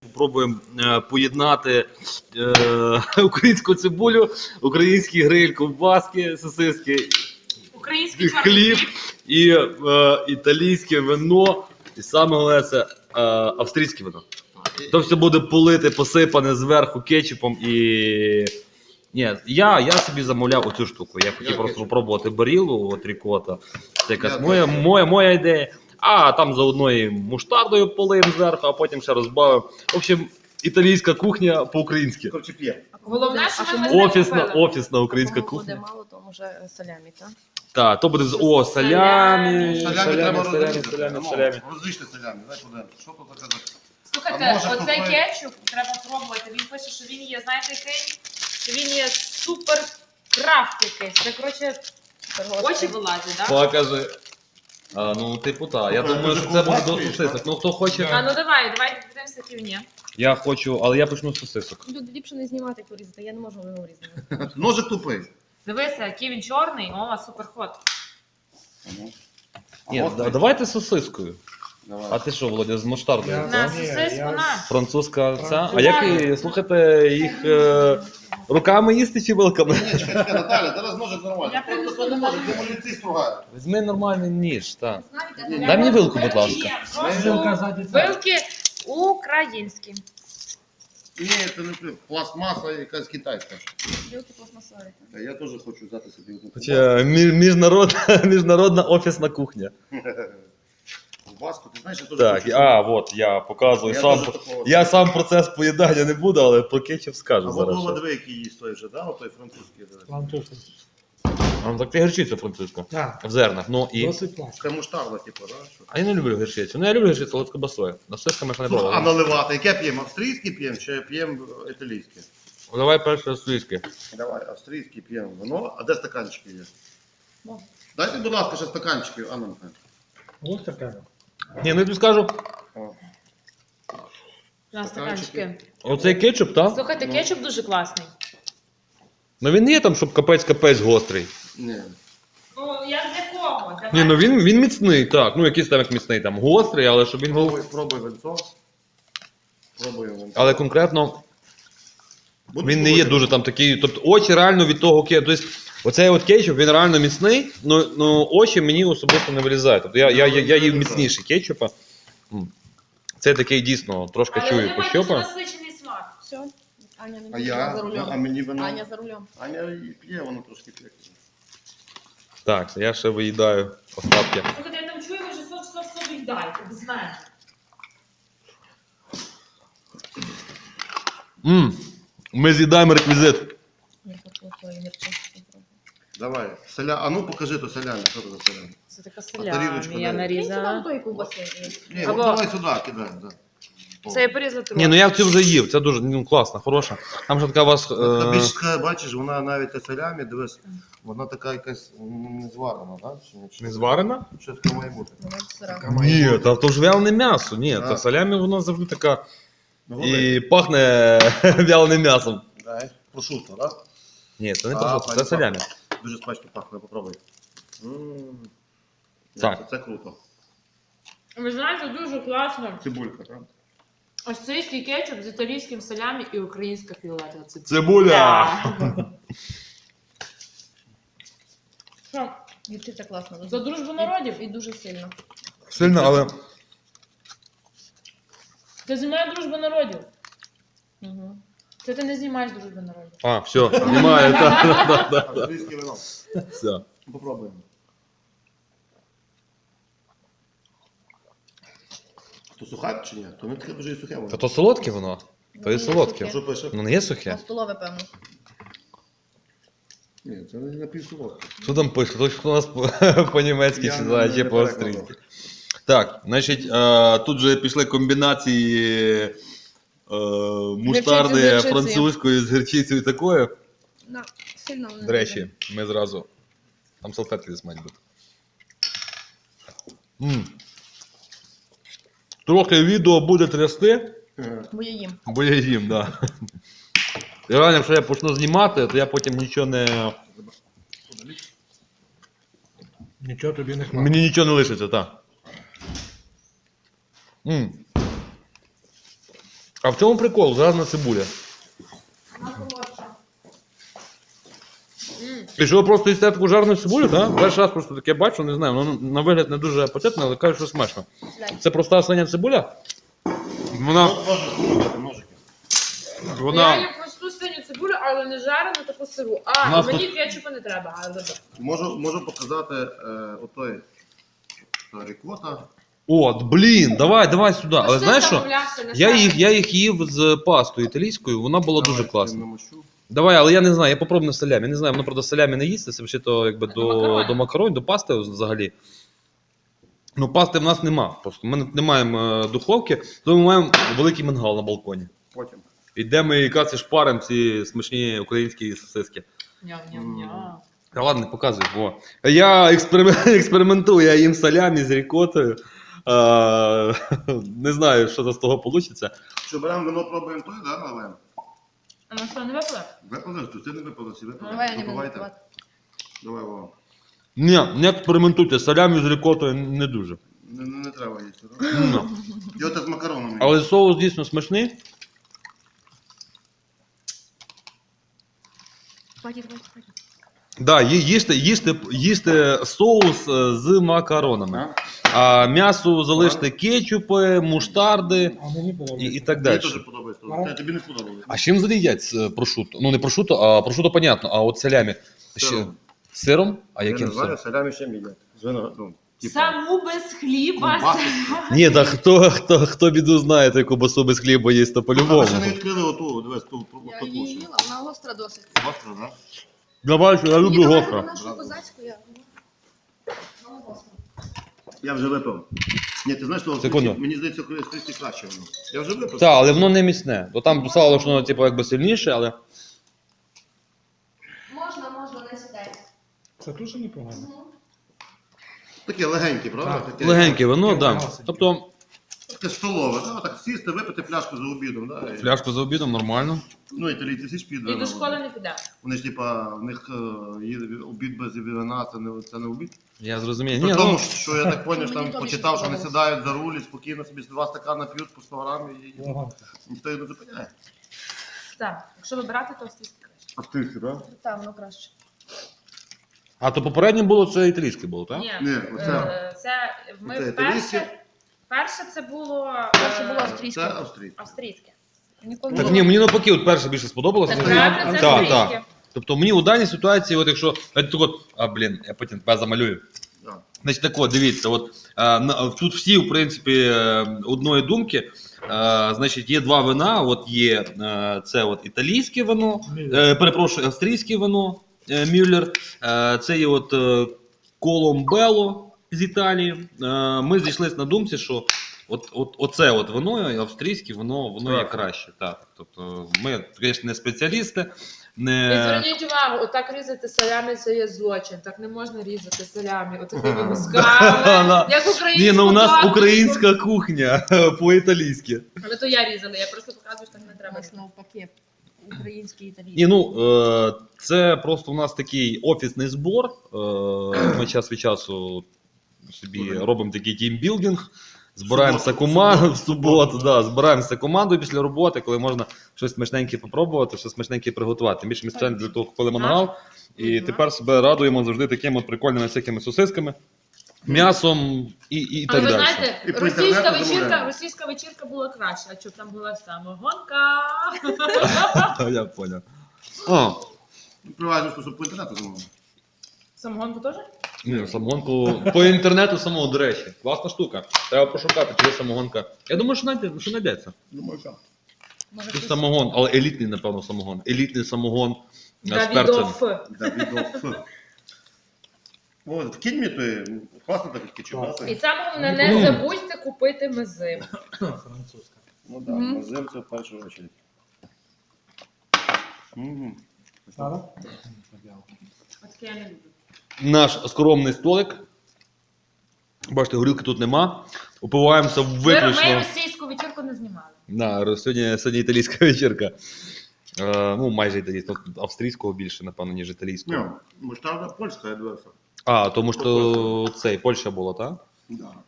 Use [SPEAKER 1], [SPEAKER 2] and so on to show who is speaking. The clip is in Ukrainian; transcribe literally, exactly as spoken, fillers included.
[SPEAKER 1] Спробуємо е, поєднати е, українську цибулю, український гриль, ковбаски, сосиски,
[SPEAKER 2] Український
[SPEAKER 1] хліб і е, італійське вино. І саме головне це е, австрійське вино. То все буде полите, посипане зверху кетчупом і... Ні, я, я собі замовляв оцю штуку. Я хотів
[SPEAKER 3] Я
[SPEAKER 1] просто
[SPEAKER 3] кетчуп.
[SPEAKER 1] спробувати барілу, от рікота. Це якась
[SPEAKER 3] Я
[SPEAKER 1] моя,
[SPEAKER 3] кетчуп.
[SPEAKER 1] моя, моя ідея. А там заодно і муштардою полим зверху, а потім ще розбавив. В общем, італійська кухня по-українськи.
[SPEAKER 3] Короче, п'є.
[SPEAKER 2] Головне, що
[SPEAKER 4] А
[SPEAKER 2] ми
[SPEAKER 4] чому
[SPEAKER 2] не
[SPEAKER 1] Офісна,
[SPEAKER 2] купили.
[SPEAKER 1] офісна українська
[SPEAKER 4] Кому буде
[SPEAKER 1] кухня.
[SPEAKER 4] мало, то може салямі, так?
[SPEAKER 1] Так, то буде з о, салямі,
[SPEAKER 3] Салямі
[SPEAKER 1] салямі,
[SPEAKER 3] треба
[SPEAKER 1] салямі,
[SPEAKER 3] розрізати.
[SPEAKER 1] салямі,
[SPEAKER 3] Ну,
[SPEAKER 1] салямі.
[SPEAKER 3] Розріжте салямі, дай подивимось. Що тут таке? за-
[SPEAKER 2] Слухайте,
[SPEAKER 3] А може,
[SPEAKER 2] оцей
[SPEAKER 3] купи-
[SPEAKER 2] кетчуп треба пробувати. Він пише, що він є, знаєте який? Що він є супер крафт якийсь. Це, коротше, очі вилазять, так?
[SPEAKER 1] Покажи. А, ну, типу, так. Я
[SPEAKER 3] Ну,
[SPEAKER 1] думаю,
[SPEAKER 3] це
[SPEAKER 1] що це буде до
[SPEAKER 3] ковбаски,
[SPEAKER 1] сосисок.
[SPEAKER 3] так?
[SPEAKER 1] Ну, хто хоче.
[SPEAKER 2] А ну давай, давай подивимося півні.
[SPEAKER 1] Я хочу, але я почну з сосисок.
[SPEAKER 4] Люди ліпше не знімати, як порізати, я не можу його різати.
[SPEAKER 3] Ножик тупий.
[SPEAKER 2] Дивися, який він чорний, о, супер ход.
[SPEAKER 3] Ну.
[SPEAKER 1] Ні,
[SPEAKER 3] Гострий.
[SPEAKER 1] да- давайте з сосискою.
[SPEAKER 3] Давай.
[SPEAKER 1] А ти що, Володя, з муштардою?
[SPEAKER 5] Я-
[SPEAKER 2] На
[SPEAKER 1] так?
[SPEAKER 2] сосиску,
[SPEAKER 5] я-
[SPEAKER 2] на.
[SPEAKER 1] Французька ця. А
[SPEAKER 5] Французька.
[SPEAKER 1] як її, слухайте, їх е, руками їсти чи вилками?
[SPEAKER 3] Ні, чекай, чекай, Наталя, зараз ножик нормально.
[SPEAKER 2] Я
[SPEAKER 3] Просто
[SPEAKER 2] принесу
[SPEAKER 3] не може,
[SPEAKER 2] Наталі.
[SPEAKER 3] демоліці стругає.
[SPEAKER 1] Візьми нормальний ніж, так.
[SPEAKER 4] Знаєте,
[SPEAKER 1] Дай мені вилку, будь ласка.
[SPEAKER 5] Вилка
[SPEAKER 2] Прошу,
[SPEAKER 5] ззаді.
[SPEAKER 2] вилки українські.
[SPEAKER 3] Ні, це не при- пластмаса якась китайська.
[SPEAKER 4] білки пластмасові.
[SPEAKER 3] Та Я теж хочу взяти собі одну
[SPEAKER 1] Хоча мі- міжнародна, міжнародна офісна кухня.
[SPEAKER 3] ковбаску. Ти знаєш, я теж
[SPEAKER 1] Так,
[SPEAKER 3] хочу.
[SPEAKER 1] а, от я показую.
[SPEAKER 3] Я
[SPEAKER 1] Сам,
[SPEAKER 3] теж такого-
[SPEAKER 1] я сам процес поїдання не буду, але про кетчуп скажу
[SPEAKER 3] А
[SPEAKER 1] зараз.
[SPEAKER 3] Вова,
[SPEAKER 1] ще.
[SPEAKER 3] диви, який їсть той же, да? Отой французький. диви.
[SPEAKER 5] Плантушин.
[SPEAKER 1] А, ну, так ти гірчиця французька.
[SPEAKER 5] Так,
[SPEAKER 1] В зернах. Ну і.
[SPEAKER 5] досить класно.
[SPEAKER 3] Це муштарда, типу, да? Що?
[SPEAKER 1] А я не люблю гірчицю. Ну я люблю гірчицю, але з кобасою. На сисками ще не
[SPEAKER 3] Слухай, а
[SPEAKER 1] пробував.
[SPEAKER 3] наливати? Яке п'ємо? Австрійський п'ємо чи п'ємо італійське?
[SPEAKER 1] Давай перше австрійське.
[SPEAKER 3] Давай, австрійський п'ємо вино. А де стаканчики є?
[SPEAKER 4] Ну.
[SPEAKER 3] Дайте, будь ласка, ще стаканчики, Анна Михайлівна.
[SPEAKER 5] Ось таке.
[SPEAKER 1] Ні, ну я тобі скажу,
[SPEAKER 3] О.
[SPEAKER 2] На стаканчики.
[SPEAKER 1] оцей кетчуп, так?
[SPEAKER 2] Слухайте,
[SPEAKER 3] Ну.
[SPEAKER 2] кетчуп дуже класний.
[SPEAKER 1] Ну він не є там, щоб капець-капець гострий.
[SPEAKER 3] Ні.
[SPEAKER 2] Ну, як для кого? Давай.
[SPEAKER 1] Ні, ну він, він міцний, так. Ну якийсь там як міцний, там гострий, але щоб він був.
[SPEAKER 3] Пробуй, пробуй венцо. Пробуй венцо.
[SPEAKER 1] Але конкретно
[SPEAKER 3] Будеш
[SPEAKER 1] він не є
[SPEAKER 3] пробувати?
[SPEAKER 1] дуже там такий. Тобто очі реально від того кетчупу. Тобто оцей от кетчуп, він реально міцний, ну, ну очі мені особисто не вилізають. Тобто я, я, я, я їв міцніший кетчупа. М. Це такий дійсно трошки
[SPEAKER 2] Але
[SPEAKER 1] чую
[SPEAKER 2] вони мають дуже
[SPEAKER 1] пощопа.
[SPEAKER 2] насичений смак.
[SPEAKER 4] Все. Аня не
[SPEAKER 3] А
[SPEAKER 4] буде
[SPEAKER 3] я?
[SPEAKER 4] за
[SPEAKER 3] А
[SPEAKER 4] рулем.
[SPEAKER 3] мені вино?
[SPEAKER 4] Аня за рулем.
[SPEAKER 3] Аня і п'є, воно трошки п'є.
[SPEAKER 1] Так, я ще виїдаю остатки.
[SPEAKER 2] Слухайте, я там чую, ви вже сок сок сок віддайте, ви знаєте.
[SPEAKER 1] М. Ми з'їдаємо реквізит.
[SPEAKER 4] Я хочу свої гірчички.
[SPEAKER 3] Давай. Селя... А ну покажи то селяни, що це за селяни?
[SPEAKER 2] Це така
[SPEAKER 3] тарілочку
[SPEAKER 2] салямі, я
[SPEAKER 3] дай.
[SPEAKER 4] Різала.
[SPEAKER 2] нарізала.
[SPEAKER 4] Тої ковбаси.
[SPEAKER 3] Ні,
[SPEAKER 2] Або-
[SPEAKER 3] от давай сюди кидаємо. Да. О.
[SPEAKER 2] Це я порізала трохи.
[SPEAKER 1] Ні, ну я в цю вже їв, це дуже ну, класно, хороша. Там ще така у вас.
[SPEAKER 3] Та
[SPEAKER 1] Е...
[SPEAKER 3] більш така, бачиш, вона навіть те селямі, дивись, вона така якась м, не зварена, так? Чи, чи,
[SPEAKER 1] Не зварена?
[SPEAKER 3] Щось таке має бути.
[SPEAKER 4] Вона сира.
[SPEAKER 3] Така має
[SPEAKER 1] Ні,
[SPEAKER 3] бути.
[SPEAKER 1] та то ж вялене м'ясо. Ні,
[SPEAKER 3] Да.
[SPEAKER 1] та салямі воно завжди така
[SPEAKER 3] Ну,
[SPEAKER 1] і пахне вяленим м'ясом.
[SPEAKER 3] Дай. Прошутто, так?
[SPEAKER 1] Ні, це не
[SPEAKER 3] А,
[SPEAKER 1] прошутто,
[SPEAKER 3] пані
[SPEAKER 1] це салямі.
[SPEAKER 3] пахне. Дуже смачно пахне, попробуй. М.
[SPEAKER 1] Так.
[SPEAKER 3] Це, це круто.
[SPEAKER 2] Ви знаєте, дуже класно.
[SPEAKER 3] Цибулька, так?
[SPEAKER 2] Австрійський кетчуп з італійським салямі і українська фіолетова цибуля.
[SPEAKER 1] Цибуля!
[SPEAKER 2] Що,
[SPEAKER 4] Гірчиця класна.
[SPEAKER 2] за дружбу народів?
[SPEAKER 4] І дуже сильно.
[SPEAKER 1] Сильно, але.
[SPEAKER 2] Це знімає дружбу народів.
[SPEAKER 4] Угу.
[SPEAKER 2] Це ти не знімаєш дружбу народів.
[SPEAKER 1] А, все, знімаю, так, так, так,
[SPEAKER 3] Австрійське вино.
[SPEAKER 1] все.
[SPEAKER 3] Попробуємо. То сухе чи ні? То не таке дуже і сухе воно.
[SPEAKER 1] Та то солодке воно? То є солодке.
[SPEAKER 3] Що пише?
[SPEAKER 1] Ну не є
[SPEAKER 4] На
[SPEAKER 1] сухе.
[SPEAKER 4] столове, певно.
[SPEAKER 3] Ні, це не напівсолодке.
[SPEAKER 1] Що там пише? Хтось хто у нас по- по-німецьки
[SPEAKER 3] Я
[SPEAKER 1] читає
[SPEAKER 3] не-
[SPEAKER 1] чи
[SPEAKER 3] не
[SPEAKER 1] по-австрійськи.
[SPEAKER 3] перекладав.
[SPEAKER 1] Так, значить, е, тут вже пішли комбінації е, муштарди
[SPEAKER 4] з гірчицею.
[SPEAKER 1] французької з гірчицею і такою.
[SPEAKER 4] На, сильно вона
[SPEAKER 1] До речі, ми зразу. Там салфетки десь мають бути. М. Трохи відео буде трясти,
[SPEAKER 3] Е,
[SPEAKER 4] Бо я їм.
[SPEAKER 1] бо я їм, так. Да. І реально, якщо я почну знімати, то я потім нічого не.
[SPEAKER 5] Нічого тобі не хватить.
[SPEAKER 1] Мені нічого не лишиться, так. М. А в чому прикол? Зразна цибуля.
[SPEAKER 2] М.
[SPEAKER 1] І що ви просто їсте таку жарну цибулю, так? Перший раз просто таке бачу, не знаю, воно на вигляд не дуже апетитне, але кажуть, що смачно. Це проста свиня цибуля? Вона.
[SPEAKER 3] Ножики, ножики, ножики.
[SPEAKER 2] Я
[SPEAKER 1] Вона.
[SPEAKER 2] їм просту синю цибулю, але не жарену, таку сиру. А,
[SPEAKER 1] Нас
[SPEAKER 2] мені
[SPEAKER 1] тут-
[SPEAKER 2] кетчупу не треба, але добре.
[SPEAKER 3] Можу, можу показати е, отой та рікота.
[SPEAKER 1] От, блін, давай, давай сюди.
[SPEAKER 2] Ну,
[SPEAKER 1] Але
[SPEAKER 2] ти
[SPEAKER 1] знаєш що?
[SPEAKER 2] замовлявся на
[SPEAKER 1] Я
[SPEAKER 2] сайті.
[SPEAKER 1] їх, я їх їв з пастою італійською, вона була
[SPEAKER 3] Давай,
[SPEAKER 1] дуже
[SPEAKER 3] цим
[SPEAKER 1] класна.
[SPEAKER 3] намащу.
[SPEAKER 1] Давай, але я не знаю, я попробую на салямі. Я не знаю, воно правда салямі не їсти, це взагалі то якби
[SPEAKER 2] До
[SPEAKER 1] до,
[SPEAKER 2] макаронів.
[SPEAKER 1] до макаронів, до пасти взагалі. Ну, пасти в нас нема. Просто ми не маємо е, духовки, тому ми маємо великий мангал на балконі.
[SPEAKER 3] Потім.
[SPEAKER 1] Йдемо і якраз і шпаримо ці смачні українські сосиски.
[SPEAKER 2] Ням-ням-ням.
[SPEAKER 1] Та ладно, не показуй. О. Я експерим- експериментую, я їм салямі з рікотою. Е, не знаю, що з того вийде.
[SPEAKER 3] Що беремо вино, пробуємо той, да, наливаємо?
[SPEAKER 2] А на що, не випили?
[SPEAKER 3] Випали, то ти не випали, всі випали.
[SPEAKER 4] Давай я не буду
[SPEAKER 3] Випивайте.
[SPEAKER 4] готувати.
[SPEAKER 3] Давай, Вова.
[SPEAKER 1] Ні, не експериментуйте, салямі з рікотою не дуже.
[SPEAKER 3] Не, не, не треба їсти, так?
[SPEAKER 1] Ну.
[SPEAKER 3] І от з макаронами.
[SPEAKER 1] Але соус дійсно смачний.
[SPEAKER 4] Хватить, хватить, хватить.
[SPEAKER 1] Да, ї- їсти, їсти, їсти соус е, з макаронами. А м'ясо залиште кетчупи, муштарди
[SPEAKER 5] А мені було.
[SPEAKER 1] і, і так
[SPEAKER 3] Мені
[SPEAKER 1] далі.
[SPEAKER 3] теж подобається.
[SPEAKER 5] Ага.
[SPEAKER 3] Те, тобі не сподобалося.
[SPEAKER 1] А з чим взагалі їдять е, прошуто? Ну не прошуто, а прошуто понятно, а от салямі. Ще...
[SPEAKER 3] Сиром.
[SPEAKER 1] Сиром? А
[SPEAKER 3] Я
[SPEAKER 1] яким
[SPEAKER 3] не знаю,
[SPEAKER 1] сиром?
[SPEAKER 3] салямі ще мідять. З вино, ну, типу,
[SPEAKER 2] Саму без хліба.
[SPEAKER 3] ковбаси.
[SPEAKER 1] Ні, та хто, хто, хто біду знає, той ковбасу без хліба їсть, то
[SPEAKER 3] А
[SPEAKER 1] по-любому.
[SPEAKER 3] ви ще не відкрили оту, дивись, ту, ту,
[SPEAKER 4] Я
[SPEAKER 3] ту,
[SPEAKER 4] її
[SPEAKER 3] ту,
[SPEAKER 4] їла, вона гостра досить.
[SPEAKER 3] Гостро, да?
[SPEAKER 1] Давай, я люблю
[SPEAKER 4] Ні,
[SPEAKER 1] гостро.
[SPEAKER 4] Вона що козацьку, я. Вона гостра.
[SPEAKER 3] Я вже випив. Ні, ти знаєш, що
[SPEAKER 1] Секунду.
[SPEAKER 3] мені здається, австрійське краще воно. Я вже випив.
[SPEAKER 1] Так, але воно не міцне. Бо там писало, що воно типу, якби сильніше, але.
[SPEAKER 4] Можна, можна, не сідай.
[SPEAKER 5] Це дуже непогано.
[SPEAKER 3] Таке легеньке, правда?
[SPEAKER 5] Так.
[SPEAKER 3] Таке,
[SPEAKER 1] Легеньке вино,
[SPEAKER 5] Таке
[SPEAKER 1] так. Да.
[SPEAKER 5] м'ясо.
[SPEAKER 1] Тобто
[SPEAKER 3] Таке столове, да? Так сісти, випити пляшку за обідом, да? І-
[SPEAKER 1] фляжку за обідом нормально.
[SPEAKER 3] Ну, італійці всі ж п'ють
[SPEAKER 2] І
[SPEAKER 3] вино.
[SPEAKER 2] до школи не піде.
[SPEAKER 3] Вони ж, типа, в них е, є обід без вина, це не, це не обід.
[SPEAKER 1] Я зрозумію.
[SPEAKER 3] При
[SPEAKER 1] Ні,
[SPEAKER 3] тому,
[SPEAKER 1] ну,
[SPEAKER 3] що я так поняв, що
[SPEAKER 4] Мені
[SPEAKER 3] там
[SPEAKER 4] то
[SPEAKER 3] почитав,
[SPEAKER 4] більше
[SPEAKER 3] що вони
[SPEAKER 4] сподобалось.
[SPEAKER 3] сідають за руль і спокійно собі два стакана п'ють по сто грам і
[SPEAKER 5] Ага.
[SPEAKER 3] ніхто їх не зупиняє.
[SPEAKER 2] Так, якщо вибирати, то австрійське краще.
[SPEAKER 3] Австрійське, так?
[SPEAKER 4] Так, воно краще.
[SPEAKER 1] а то попереднє було це італійське було, так?
[SPEAKER 2] Ні,
[SPEAKER 3] Ні,
[SPEAKER 2] е,
[SPEAKER 3] оце.
[SPEAKER 2] це ми
[SPEAKER 3] Оце
[SPEAKER 2] перше,
[SPEAKER 3] італійське.
[SPEAKER 2] перше це було
[SPEAKER 4] Перше
[SPEAKER 2] е,
[SPEAKER 4] було австрійське.
[SPEAKER 3] Це австрійське.
[SPEAKER 2] австрійське.
[SPEAKER 4] Ніколи
[SPEAKER 1] Так
[SPEAKER 4] не
[SPEAKER 1] ні, мені навпаки, от перше більше сподобалося.
[SPEAKER 2] Так
[SPEAKER 1] Це-
[SPEAKER 2] правильно, це
[SPEAKER 1] Так,
[SPEAKER 2] австрійське.
[SPEAKER 1] так. Тобто мені у даній ситуації, от якщо. От, так от, а блін, я потім тебе замалюю.
[SPEAKER 3] Да.
[SPEAKER 1] Значить, так от, дивіться, от, е, на- тут всі, в принципі, е, одної думки. Е, значить, є два вина. От є е, це от італійське вино, е, перепрошую, австрійське вино е, Мюллер. Е, це є от е, Коломбело з Італії. Е, ми зійшлися на думці, що от, от, оце от вино, і австрійське вино, воно є
[SPEAKER 3] Так.
[SPEAKER 1] краще. Так. Тобто, ми, звісно, не спеціалісти.
[SPEAKER 2] І
[SPEAKER 1] Не...
[SPEAKER 2] зверніть увагу, отак різати салямі це є злочин. Так не можна різати салямі, отакими мусками, як українську
[SPEAKER 1] Ні, ну у нас
[SPEAKER 2] даточку.
[SPEAKER 1] українська кухня по-італійськи.
[SPEAKER 2] Але то я різала, я просто показую, що так не
[SPEAKER 4] У
[SPEAKER 2] треба.
[SPEAKER 4] нас навпаки. Український італійський.
[SPEAKER 1] Ні, ну е, це просто у нас такий офісний збор. Е, ми час від часу собі робимо такий тімбілдинг. Збираємося
[SPEAKER 3] Суботу,
[SPEAKER 1] командою в
[SPEAKER 3] суботу,
[SPEAKER 1] суботу,
[SPEAKER 3] суботу,
[SPEAKER 1] да, збираємося командою після роботи, коли можна щось смачненьке попробувати, щось смачненьке приготувати. Тим більше ми спеціально для того купили мангал. І
[SPEAKER 2] Мгм.
[SPEAKER 1] тепер себе радуємо завжди такими от прикольними всякими сосисками, м'ясом і, і, і
[SPEAKER 2] Але
[SPEAKER 1] так
[SPEAKER 2] ви
[SPEAKER 1] далі.
[SPEAKER 2] знаєте,
[SPEAKER 3] І по
[SPEAKER 2] російська
[SPEAKER 3] інтернету
[SPEAKER 2] вечірка,
[SPEAKER 3] замовляємо.
[SPEAKER 2] російська вечірка була краща, а щоб там була самогонка.
[SPEAKER 1] Я поняв. О,
[SPEAKER 3] Приважно, що по інтернету замовили.
[SPEAKER 2] Самогонку теж?
[SPEAKER 1] ні, самогонку по інтернету самого, до речі. Класна штука. Треба пошукати, чи є самогонка. Я думаю, що знайде- що знайдеться.
[SPEAKER 3] Думаю, так.
[SPEAKER 4] Може,
[SPEAKER 1] Це
[SPEAKER 4] хтось-
[SPEAKER 1] самогон, але елітний, напевно, самогон. Елітний самогон е, з перцем.
[SPEAKER 2] Давідов.
[SPEAKER 3] Давідов. О, в кіньмі то є класно так кетчуп, да?
[SPEAKER 2] І
[SPEAKER 3] той?
[SPEAKER 2] саме головне, не забудьте купити мези.
[SPEAKER 5] Французька.
[SPEAKER 3] Ну так,
[SPEAKER 4] Мгм.
[SPEAKER 3] мазим це в першу очередь. Мгм.
[SPEAKER 5] Сара?
[SPEAKER 2] Отаке я не люблю.
[SPEAKER 1] Наш скромний столик. Бачите, горілки тут нема. Упиваємося
[SPEAKER 2] Ми, ми
[SPEAKER 1] виключно.
[SPEAKER 2] російську вечірку не знімали.
[SPEAKER 1] Да, сьогодні, сьогодні італійська вечірка. Е, ну, майже італійська. Тут австрійського більше, напевно, ніж італійського.
[SPEAKER 3] Ні, муштарда польська, я дивився.
[SPEAKER 1] А, тому що цей, Польща була, так?
[SPEAKER 3] Да.